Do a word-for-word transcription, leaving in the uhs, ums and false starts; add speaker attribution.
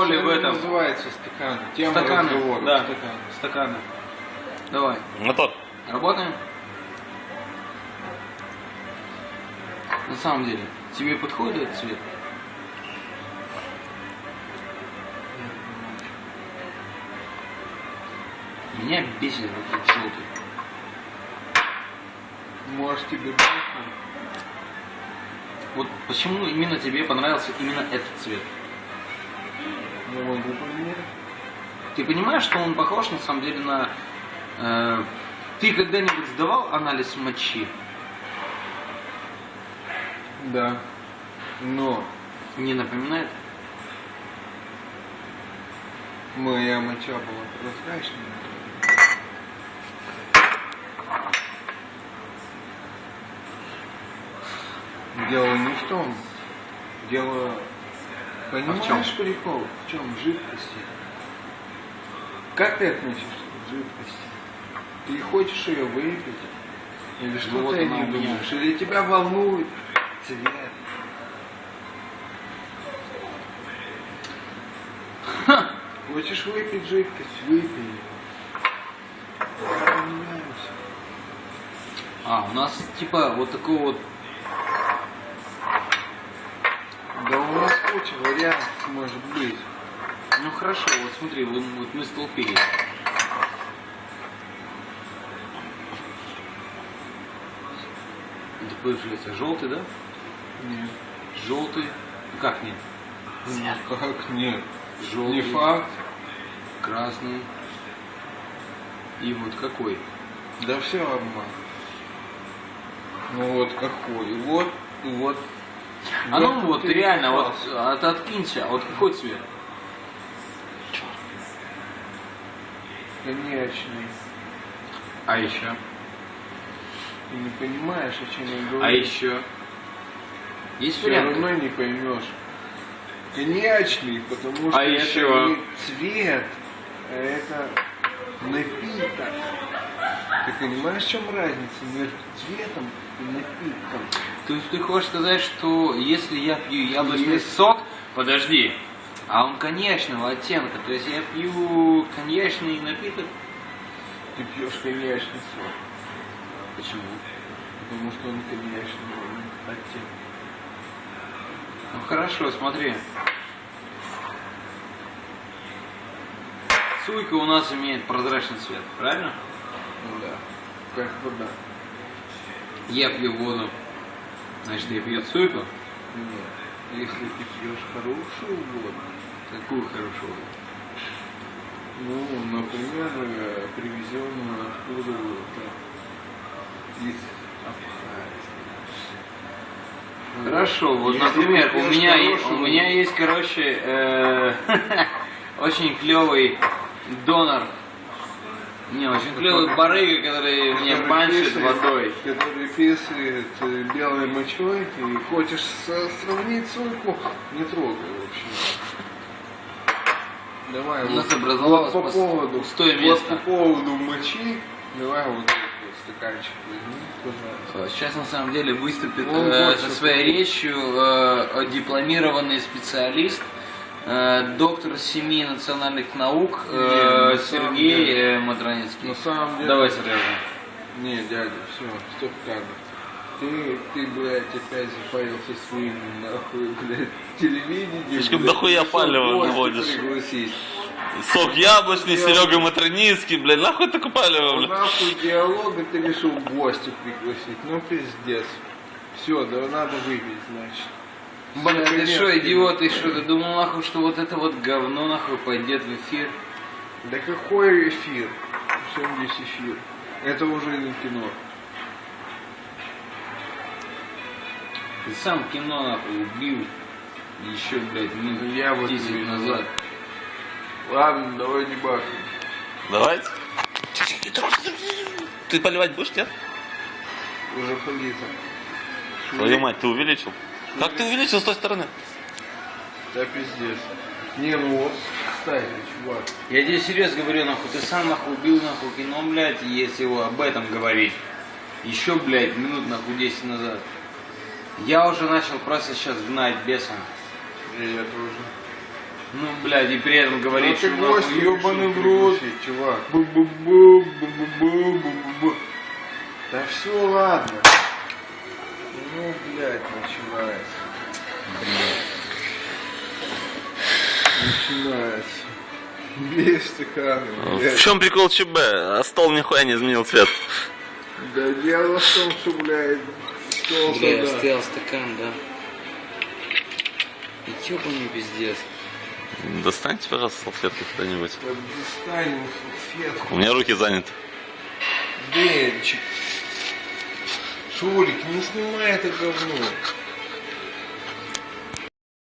Speaker 1: роли в этом.
Speaker 2: Называется стаканы. Тема
Speaker 1: Стаканы,
Speaker 2: разговора.
Speaker 1: да,
Speaker 2: Стаканы.
Speaker 1: стаканы. Давай.
Speaker 3: Готов.
Speaker 1: Работаем? На самом деле, тебе подходит этот цвет? Меня бесит этот желтый.
Speaker 2: Может тебе быть?
Speaker 1: Вот почему именно тебе понравился именно этот цвет?
Speaker 2: Не могу поменять.
Speaker 1: Ты понимаешь, что он похож на самом деле на... Э, ты когда-нибудь сдавал анализ мочи?
Speaker 2: Да. Но
Speaker 1: Не напоминает?
Speaker 2: моя моча была прозрачная. Дело не в том. Дело... Понимаешь прикол? В чем? В жидкости. Как ты относишься к жидкости? Ты хочешь ее выпить? Или что
Speaker 1: вот
Speaker 2: ты
Speaker 1: она
Speaker 2: не
Speaker 1: у меня.
Speaker 2: думаешь? Или тебя волнует цвет?
Speaker 1: Ха!
Speaker 2: Хочешь выпить жидкость? Выпей. Понимаешь?
Speaker 1: А, у нас типа вот такой вот...
Speaker 2: Да у нас куча вариантов может быть.
Speaker 1: Ну хорошо, вот смотри, вот, вот мы столпились. Это получается желтый, да?
Speaker 2: Нет.
Speaker 1: Желтый. Ну как нет?
Speaker 2: Ну, как нет?
Speaker 1: Желтый.
Speaker 2: Не факт.
Speaker 1: Красный. И вот какой?
Speaker 2: Да все обман. Ну вот какой. Вот, вот.
Speaker 1: А ну вот
Speaker 2: ты
Speaker 1: реально, вот
Speaker 2: попался.
Speaker 1: а ты откинься, а вот какой цвет?
Speaker 2: Конечный.
Speaker 1: А еще?
Speaker 2: Ты не понимаешь, о чем я говорю.
Speaker 1: А еще? Есть
Speaker 2: Все
Speaker 1: варианты?
Speaker 2: равно не поймешь. Конечный, потому что
Speaker 1: А
Speaker 2: это
Speaker 1: еще?
Speaker 2: не цвет, а это напиток. Ты понимаешь, в чем разница между цветом и напитком?
Speaker 1: То есть ты хочешь сказать, что если я пью яблочный
Speaker 2: Есть.
Speaker 1: сок, подожди, а он коньячного оттенка, то есть я пью коньячный напиток?
Speaker 2: Ты пьешь коньячный сок,
Speaker 1: Почему?
Speaker 2: потому что он коньячного оттенка.
Speaker 1: Ну хорошо, смотри. Суйка у нас имеет прозрачный цвет, правильно?
Speaker 2: Ну да, как вода.
Speaker 1: Я пью воду, значит я пью суйку.
Speaker 2: Нет, если ты пьешь хорошую воду,
Speaker 1: Какую хорошую воду?
Speaker 2: ну, например, э, привезенную откуда-то из Абхазии.
Speaker 1: Хорошо, вот,
Speaker 2: Если
Speaker 1: например,
Speaker 2: ты
Speaker 1: у
Speaker 2: пьешь
Speaker 1: меня, есть,
Speaker 2: хорошую
Speaker 1: у меня есть, короче, э, очень клевый донор. Не, очень клевый барыга, который меня
Speaker 2: который
Speaker 1: баншит
Speaker 2: писает-
Speaker 1: водой.
Speaker 2: Который писает э, белой мочой, ты хочешь со- сравнить суйку, не трогай вообще. Давай
Speaker 1: У нас
Speaker 2: вот,
Speaker 1: образовалось
Speaker 2: вот по
Speaker 1: пос-
Speaker 2: поводу,
Speaker 1: пустое
Speaker 2: вот
Speaker 1: место.
Speaker 2: по поводу мочи, давай вот этот стаканчик возьми, пожалуйста.
Speaker 1: Сейчас на самом деле выступит
Speaker 2: Он
Speaker 1: э,
Speaker 2: больше
Speaker 1: со своей речью э, дипломированный специалист, э, доктор семи национальных наук э,
Speaker 2: Не, на самом
Speaker 1: Сергей
Speaker 2: деле.
Speaker 1: э, Матраницкий.
Speaker 2: На самом деле...
Speaker 1: Давай, Сережа.
Speaker 2: Не, дядя, все, стоп кадр. Ты, ты, блядь, опять запарился своим, нахуй, блядь, телевидением.
Speaker 3: Слишком
Speaker 2: блядь,
Speaker 3: дохуя
Speaker 2: решил
Speaker 3: палева
Speaker 2: гостя
Speaker 3: наводишь.
Speaker 2: пригласить.
Speaker 3: Сок яблочный,
Speaker 2: Диалог.
Speaker 3: Серега Матраницкий, блядь, нахуй ты палево,
Speaker 2: Ну,
Speaker 3: блядь.
Speaker 2: нахуй диалога ты решил гостя пригласить. Ну, пиздец. Все, да надо выпить, значит.
Speaker 1: Блин, ты
Speaker 2: Конец
Speaker 1: что,
Speaker 2: тебе.
Speaker 1: идиот, ты что, ты думал, нахуй, что вот это вот говно, нахуй, пойдет в эфир?
Speaker 2: Да какой эфир? В чем здесь эфир? Это уже не кино.
Speaker 1: Ты сам кино, нахуй, убил еще, блядь, минут
Speaker 2: Ну, я вот
Speaker 1: десять
Speaker 2: не
Speaker 1: назад.
Speaker 2: Ладно, давай не бахнем.
Speaker 3: Давайте. Ты поливать будешь, нет?
Speaker 2: Уже полито.
Speaker 3: Твою мать, ты увеличил? Как ты увеличил с той стороны?
Speaker 2: Да пиздец. Не, ну вот, кстати, чувак.
Speaker 1: Я тебе серьезно говорю, нахуй, ты сам, нахуй, убил, нахуй, кино, блядь, если его об этом говорить. Еще, блядь, минут, нахуй, десять назад. Я уже начал просто сейчас гнать беса.
Speaker 2: И я тоже.
Speaker 1: Ну, блядь, и при этом
Speaker 2: Ну
Speaker 1: говорит,
Speaker 2: ты
Speaker 1: что
Speaker 2: гость,
Speaker 1: нахуй
Speaker 2: ебаный в
Speaker 1: решил
Speaker 2: рот,
Speaker 1: пригласить.
Speaker 2: чувак. Бу-бу-бу, бу-бу-бу, бу-бу-бу. Да все, ладно. Ну, блядь, начинается. Начинается. Без стаканы,
Speaker 3: В
Speaker 2: блядь.
Speaker 3: чем прикол ЧБ? А стол нихуя не изменил цвет.
Speaker 2: Да дело в том, что, блядь, стол
Speaker 1: Бля,
Speaker 2: туда.
Speaker 1: стоял стакан, да. И ёбаный пиздец.
Speaker 3: Достаньте, пожалуйста, салфетку кто-нибудь.
Speaker 2: Да достанем салфетку.
Speaker 3: У меня руки заняты.
Speaker 2: Денчик. Шурик, не снимай это говно.